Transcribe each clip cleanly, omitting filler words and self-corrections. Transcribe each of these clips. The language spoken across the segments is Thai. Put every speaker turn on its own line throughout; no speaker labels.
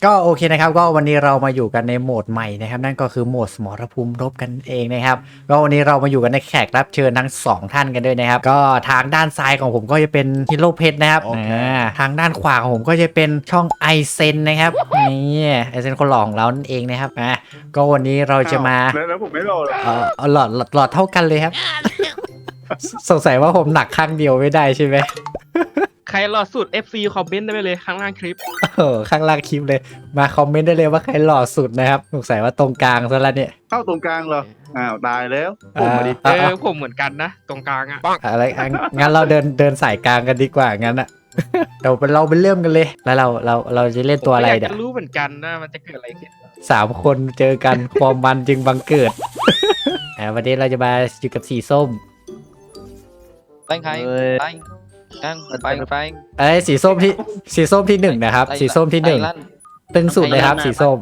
ก็โอเคนะครับก็วันนี้เรามาอยู่กันในโหมดใหม่นะครับนั่นก็คือโหมดสมรภูมิรบกันเองนะครับก็วันนี้เรามาอยู่กันในแขกรับเชิญทั้ง2ท่านกันด้วยนะครับก็ทางด้านซ้ายของผมก็จะเป็นฮิโร่เพชรนะครับทางด้านขวาของผมก็จะเป็นช่องไอเซนนะครับนี่ไอเซนคนหล่อของเรานั่นเองนะครับก็วันนี้เราจะมา
แล้วผมไม่รอเลย
หลอดเท่ากันเลยครับ สงสัยว่าผมหนักข้างเดียวไม่ได้ใช่ไหม
ใครหล่อสุด FC คอมเมนต์ได้ไปเลยข้างล่างคลิป
ข้างล่างคลิปเลยมาคอมเมนต์ได้เลยว่าใครหล่อสุดนะครับสงสัยว่าตรงกลางซะแล้วเนี่ย
เข้าตรงกลางเหรออ้าวตายแล้วผมมาดิ
ผมเหมือนกันนะตรงกลางอ่ะ
อะไรงั้นเราเดินสายกลางกันดีกว่างั้นอะเดี๋ยวเราไปเริ่มกันเลยแล้วเราจะเล่นตัวอะไร
เดี๋ยวรู้เหมือนกันนะมันจะเกิดอะไรขึ้น
3 คนเจอกันความมันจึงบังเกิดวันนี้เราจะมาอยู่กับสีส้ม
Phanh hay Phanh Phanh
สีส้มที่1นะครับสีส้มที่1ตึงสุดเลยครับสีส้ม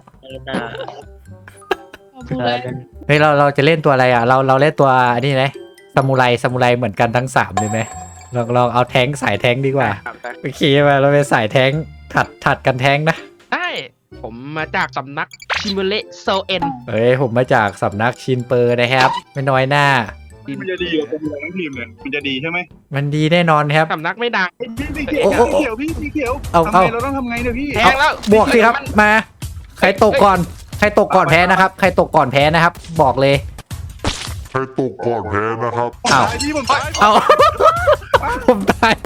เฮ้ยเราจะเล่นตัวอะไรอ่ะเราเล่นตัวนี่ไหมซามูไรเหมือนกันทั้ง3เลยไหมลองเอาแท้งสายแท้งดีกว่าโอเคมาเราเป็นสายแท้งถัดกันแท้งนะ
ได้ผมมาจากสำนักชิมเบเลโซเอ็น
เฮ้ยผมมาจากสำนักชินเปอร์นะครับไม่น้อยหน้า
มันจะดีกับตัวทั้งทีมเลยมันจะดีใช่ไหม
มันดีแน่นอนครับ
สำนักไม่ดัง
พี่เขียวทำไงเราต้องทำไงเนี่ยพี่
แทงแล้ว
บวกสิครับมาใครตกก่อนแพ้นะครับใครตกก่อนแพ้นะครับบอกเลย
ใครตกก่อนแพ้นะครับ
เอาผมตาย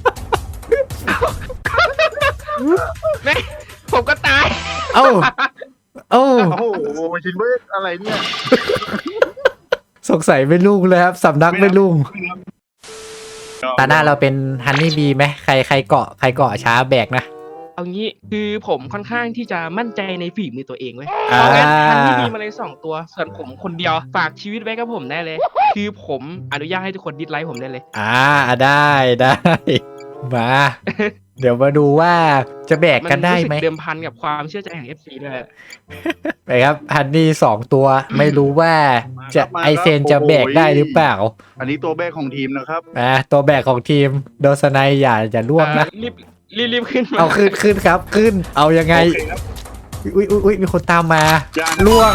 แม่ผมก็ตาย
โอ้
โอ้โหชินเบอร์อะไรเนี่ย
สงสัยไม่ลุ่งเลยครับสำนักไม่ลุ่งตาหน้าเราเป็นฮันนี่บีไหมใครเกาะช้าแบกนะ
เอางี้คือผมค่อนข้างที่จะมั่นใจในฝีมือตัวเองเว้ยเอางั้นฮันนี่บีมาเลย2 ตัวส่วนผมคนเดียวฝากชีวิตไว้กับผมได้เลยคือผมอนุญาตให้ทุกคนดิสไลค์ผมได้เลย
ได้มาเดี๋ยวมาดูว่าจะแบกกันได้ไหม
เดิมพันกับความเชื่อใจของ FC ด้วย
ไปครับฮันนี่2 ตัวไม่รู้ว่าจะไอเซนจะแบกได้หรือเปล่า
อันนี้ตัวแบกของทีมนะครับ
ตัวแบกของทีมโดสไนอย่าล่วงนะ
รีบขึ้น
เอาขึ้นครับขึ้นเอายังไงอุ้ยมีคนตามมาล่วง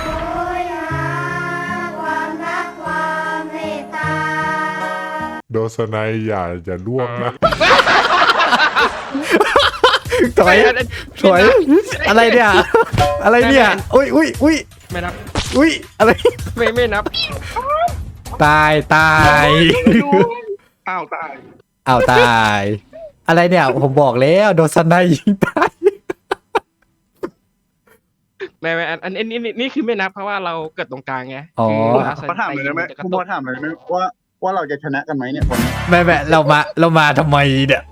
โดสไนอย่าล่วงนะ
ถอยอะไรเนี่ยอุ้ย
ไม่นับ
อุ้ยอะไร
ไม่นับ
ตาย
อ้าวต
ายอะไรเนี่ยผมบอกแล้วโดนสไนยิงตาย
ไม่อันนี่คือไม่นับเพราะว่าเราเกิดตรงกลางไง
เขาถามเลยไหมคุณพ่อถามเลยไหมว่าเราจะชนะกันไหมเนี่ยคน
ไม่เรามาทำไมเนี่ย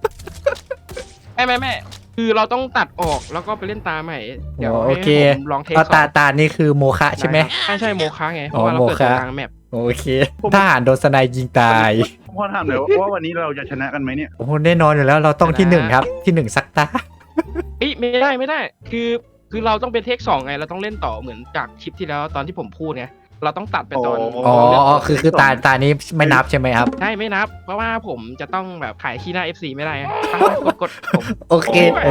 ไม่คือเราต้องตัดออกแล้วก็ไปเล่นตาใหม่
เดี๋ยวโอเคลองเทสตานี่คือโมฆะใช่ไหม
ใช่โมฆะไงเพราะว่าเราเกิดตรงกลางแมป
โอเคทหารโดนสไนยิงตาย
พ่อถามเลยว่าวันนี้เราจะชนะกันไหมเนี่ย
โอ้โหแน่นอนอยู่แล้วเราต้องที่1ครับที่1ซักตา
ไม่ได้คือเราต้องเป็นเทค2ไงเราต้องเล่นต่อเหมือนจากคลิปที่แล้วตอนที่ผมพูดไงเราต้องตัดไปตอน
คือตานี้ไม่นับใช่ไหมครับ
ใช่ไม่นับเพราะว่าผมจะต้องแบบขายขี้หน้า FC ไม่ได้กดผม
โอเค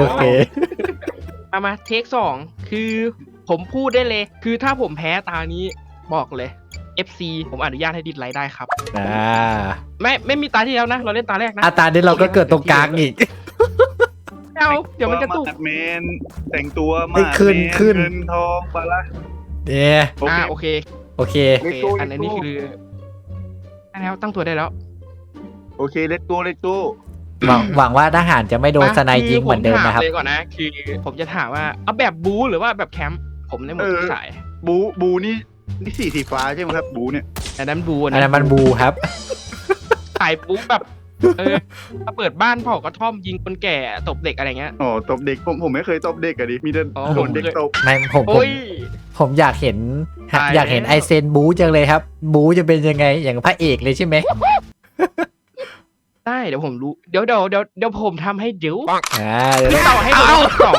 มาเทค2คือผมพูดได้เลยคือถ้าผมแพ้ตานี้บอกเลย FC ผมอนุญาตให้ดิสไลค์ได้ครับไม่มีตาที่แล้วนะเราเล่นตาแรกนะ
ตานี้เราก็เกิดตรงกลางอีก
เดี๋ยวมันจะตุก
เมนแต่งตัวมา
ขึ้น
เงินทองปะละ
เนี่ย
โอเคอันนี้คือแล้วตั้งตัวได้แล้ว
โอเคเลตโก้
หวังว่าทหารจะไม่โดนสไนยิงเหมือนเดิมนะครับ
เลยก่อนนะคือผมจะถามว่าเอาแบบบูหรือว่าแบบแคมป์ผมได้หมดทุกสาย
บูนี่สีฟ้าใช่ไหมครับบูเนี่ย
อันนั้นบู
ครับ
สายบูแบบมาเปิดบ้านเผากระท่อมยิงคนแก่ตบเด็กอะไรเงี้ย
ตบเด็กผมไม่เคยตบเด็กอะดิมีแต่โดนเด็กตบ
ไม่ผมอยากเห็นไอเซนบูจังเลยครับบูจะเป็นยังไงอย่างพระเอกเลยใช่ไหม
ได้เดี๋ยวผมรู้เดี๋ยวผมทำให้เดี๋ยว
ต่อ
ให้ดู2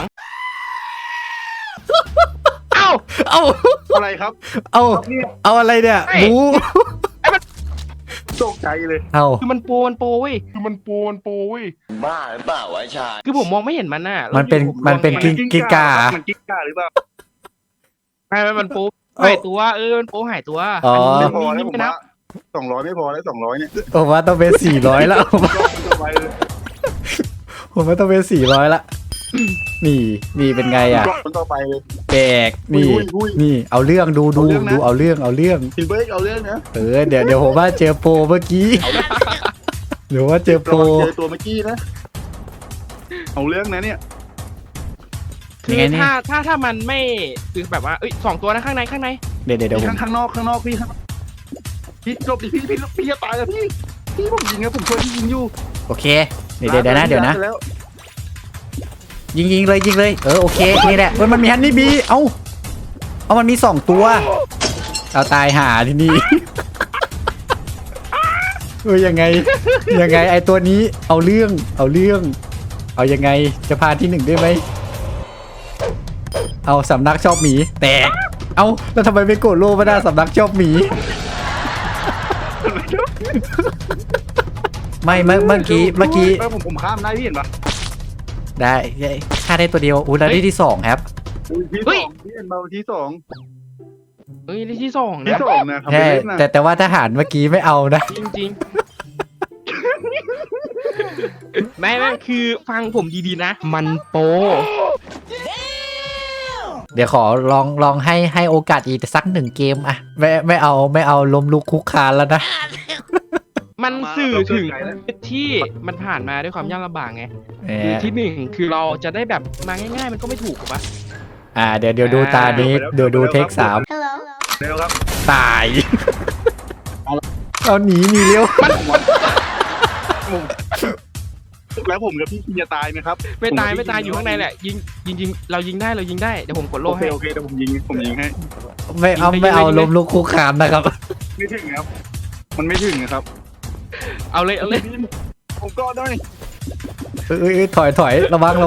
อะไรครับ
เอาอะไรเนี่ยบู
ตกใจใจเลย
เอ้า
คือมันโปรเว้ย
บ้าหรือเปล่าวะชา
คือผมมองไม่เห็นมันน่ะ
มันเป็น
แล้ว
มันเป็น
ผมมอง
กิ้งก่า
มันกิ้งก่าหรือเปล่า
ไม่มันโปร
เอ้า
หายตัวมันโปรหายตัว
อ๋อ
น
ไม่
นี้
พอ
นี่
แล้วผม
ไม่นั
ว่า
บ
200ไม่พอแล้ว200เนี่ย
ผมว่าต้องเป็น400แล้ว
ไปเลย
ผมว่าต้องเป็น400ละนี่เป็นไงอ่ะ
คนต่อไปเลย
แบกนี่
อุ้ย
นี่เอาเรื่องดู
เอาเรื่องนะ
เอาเรื่อง
ทีเบิร์กเอาเรื่องนะ
เดี๋ยวผมว่าเจอโปรเมื่อกี้เดี๋ยวว่าเจอโปร
เจอตัวเมื่อกี้นะเอาเรื่องนะเนี่ย
คื
ยั
อง
ไงนี่
ถ้ามันไม่คือแบบว่าสองตัวนะข้างใน
เดี๋ยวผม
ข้างนอกพี่หลบดิพี่จะตายแล้วพี่ผมยิงนะผมช่วยพี่ยิงอยู่
โอเคเดี๋ยวนะเดี๋ยวนะ
แล้ว
ยิงเลยโอเคนี่แหละมันมีฮันนี่บีเอามันมี2ตัวเอาตายหาที่นี่ ยังไงไอตัวนี้เอาเรื่องเอายังไงจะพาที่1ได้ไหมเอาสำนักชอบหมีแตกเอาแล้วทำไมไม่กดโล่ไม่ได้สำนักชอบหมีไม่เมื่อกี้
ผมข้ามได้พี่เห็นปะ
ได้ฆ่าได้ตัวเดียวแล้วได้ที่2ครับ
พี่เห็นเบาที่สอง
ที่สอง
ที่
นะ
สองนะครับ
ใช่แต่ว่าทหารเมื่อกี้ไม่เอานะ
จริงๆ ไม่คือฟังผมดีๆนะ มันโปร
เดี๋ยวขอลองให้โอกาสอีกสัก1เกมอะไม่เอาล้มลุกคุกคานแล้วนะ
มันสื่อถึงที่มันผ่านมาด้วยความยากลำบากไง คือที่ 1 คือเราจะได้แบบมาง่ายๆ มันก็ไม่ถูกหรอกปะ
เดี๋ยวดูตานี้เดี๋ยวดูเทค3
เร็วครับ
ตายเอาหนีเร็ว
แล้วผมกับพี่จะตายไหมครับ
ไม่ตายอยู่ข้างในแหละ ยิงเรายิงได้เดี๋ยวผมกดโล่
โอเค
ให้
โอเคเดี๋ยวผมยิงให้
ไม่เอาล้มลุกคุกคานนะครับ
ไม่ถึงครับ มันไม่ถึงนะครับ
เอาเลย
ผมก็ได้
ถอยระวัง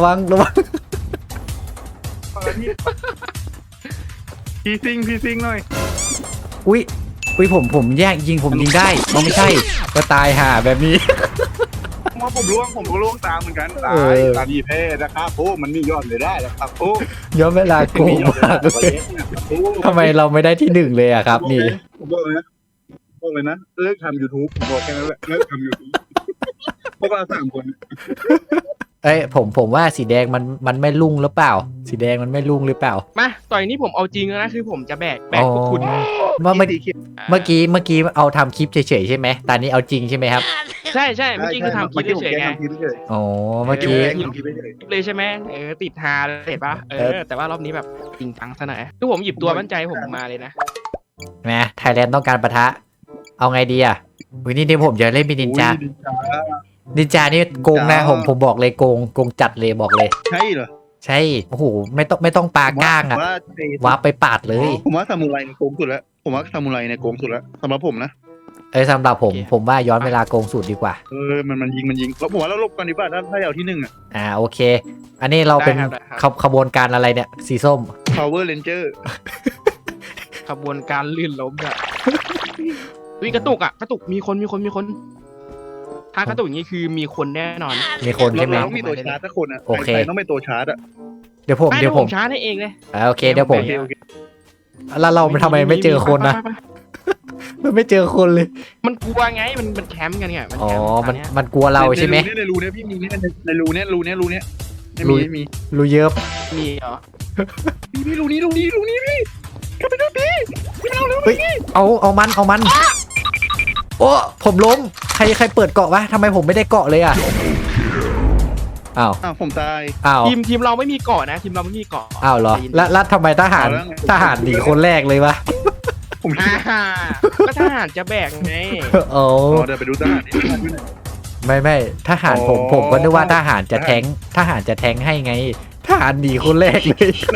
พี่ซิงหน่อย
อุ้ยผมแยกยิงผมยิงได้ไม่ใช่ก็ตายห่าแบบนี้
ว่าผมก็ล่วงตามเหมือนกันตา
เออ
ตาดีแพ้นะครับโอ้มันมียอดเลยได้แล้วครับโอ้
ย้อนเวลาโกงมากเลยทำไมเราไม่ได้ที่1เลยอะครับ นี่
ผมบอกเลยนะเลิกทำ YouTube ผมบอกแค่นั้นแหละเลิกทำ YouTube พวกเรา3 คน
ผมว่าสีแดงมันไม่รุ่งหรือเปล่า สีแดงมันไม่รุ่งหรือเปล่า
มาต่อยนี้ผมเอาจริงแล้วนะ คือผมจะแบกพวกคุณ
เมื่อกี้เอาทำคลิปเฉยๆใช่ไหมตอนนี้เอาจริงใช่ไหมครับ
ใช่เมื่อกี้คือทำคลิปเฉยๆไง
อ๋อเมื่อกี้
เลยใช่ไหมติดฮาเลยเห็นปะแต่ว่ารอบนี้แบบจริงจังซะหน่อยคือผมหยิบตัวมั่นใจผมมาเลยนะ
นะไทยแลนด์ต้องการปะทะ เอาไงดีอ่ะวันนี้ผมจะเล่นเป็นนินจานี่โกงนะผมบอกเลยโกงจัดเลยบอกเลย
ใช่เหรอ
ใช่โอ้โหไม่ต้องปาก้างอ่ะว้าไปปาดเลย
ผมว่าซามูไรในโกงสุดแล้วผมว่าซามูไรในโกงสุดแล้วสำหรับผมนะ
สำหรับผมว่าย้อนเวลาโกงสุดดีกว่า
มันยิงแล้วผมว่าเราลบกันดีกว่าถ้าเอาที่1อ่ะ
โอเค อันนี้เราเป็น
ได้ครับ
ขบวนการอะไรเนี่ยสีส้ม
Power Ranger
ขบวนการลื่นล้มอะกระตุกมีคนถ้ากระตุกอย่างนี้คือมีคนแน่นอน
มีคนใช่ไหม
เราต้องมีตัวชาร์จสักคนอ่ะ
โอเค
ใครต้องเป็นตัวชาร์จอ่ะ
เดี๋ยวผม
ช้าให้เองเลย
โอเคเดี๋ยวผม
โอเค
แล้วเราทำไมไม่เจอคนนะ
ไป
ไม่เจอคนเลย
มันกลัวไงมันแคมป์กันไง
อ๋อ
แคป์ต
มันกลัวเราใช่ไหม
ในรูเนี่ยพี่มีในรูเนี่ยไม่มี
รู้เยอะ
มีเหรอ
พี่รูนี้พี่กลับไปดูพี่
เฮ้ยเอามัน โอ้ผมล้มใครเปิดเกาะวะทำไมผมไม่ได้เกาะเลยอ่ะอ้าว
ผมตาย
อ้าว
ทีมเราไม่มีเกาะนะทีมเราไม่มีเกาะ
อ้าวเหรอแล้วทำไมทหารหนีคนแรกเลยวะ
ผม
ก็ทหารจะแบกไง
โอ้
เดี๋ยวไปดูทหารนี่
ไม่ทหารผมก็นึกว่าทหารจะแทงให้ไงทหารหนีคนแรกเลย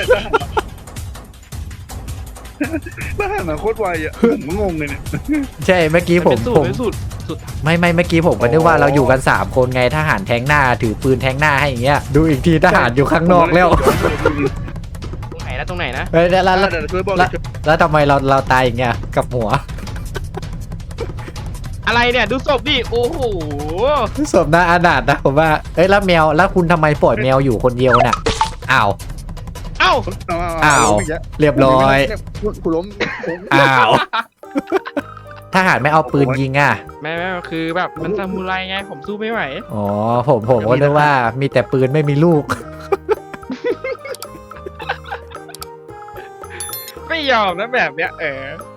ทหารโคตรไวอ่ะผมงงเลยเนี่ย
ใช่เมื่อกี้ผม
เป็นสูตร
ไม่เมื่อกี้ผมก็นึกว่าเราอยู่กัน3คนไงทหารแทงหน้าถือปืนแทงหน้าให้อย่างเงี้ยดูอีกทีทหารอยู่ข้างนอกแล้ว
ตรงไหนนะ
ช่วยบอก
แล้วทำไมเราตายอย่างเงี้ยกับหัว
อะไรเนี่ยดูศพดิโอ้โห
ศพน่าอนาถนะผมว่าเอ้ยแล้วแมวแล้วคุณทำไมปล่อยแมวอยู่คนเดียวน่ะอ้าว
เอ้า
อ้าวเรียบร้อย
กูล้ม
อ้าวทหารไม่เอาปืนยิงอ่ะ
แม่คือแบบมันซามูไรไงผมสู้ไม่ไหว
อ๋อผมก็นึกว่ามีแต่ปืนไม่มีลูก
ไม่ยอมนะแบบเนี้ย